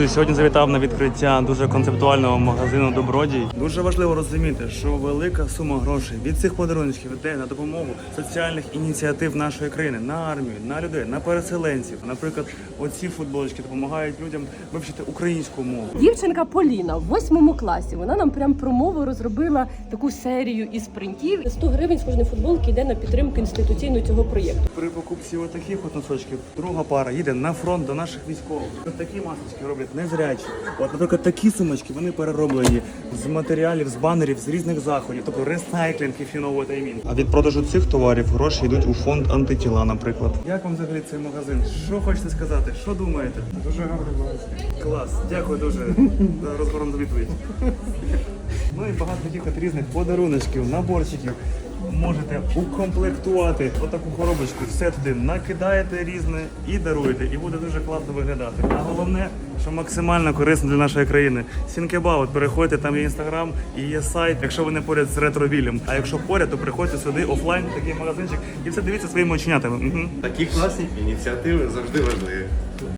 Сьогодні завітав на відкриття дуже концептуального магазину «Добродій». Дуже важливо розуміти, що велика сума грошей від цих подарунків йде на допомогу соціальних ініціатив нашої країни, на армію, на людей, на переселенців. Наприклад, оці футболочки допомагають людям вивчити українську мову. Дівчинка Поліна в 8 класі, вона нам прям про мову розробила таку серію із принтів. 100 гривень з кожної футболки йде на підтримку інституційну цього проєкту. При покупці отаких от носочків друга пара їде на фронт до наших військових. От такі масочки роблять незрячі. От, наприклад, такі сумочки, вони перероблені з матеріалів, з банерів, з різних заходів. Тобто ресайклінг, if you know what I mean. А від продажу цих товарів гроші йдуть у фонд антитіла, наприклад. Як вам взагалі цей магазин? Що хочете сказати? Що думаєте? Дуже гарний магазин. Клас. Дякую дуже за розгорнуту відповідь. Ну і багато таких от різних подаруночків, наборчиків. Можете укомплектувати отаку коробочку, все туди накидаєте різне і даруєте, і буде дуже класно виглядати. А головне, що максимально корисно для нашої країни. Сінкебаут, переходьте, там є інстаграм і є сайт, якщо ви не поряд з ретровілем. А якщо поряд, то приходьте сюди офлайн, такий магазинчик, і все дивіться своїми оченятами. Такі класні ініціативи завжди важливі.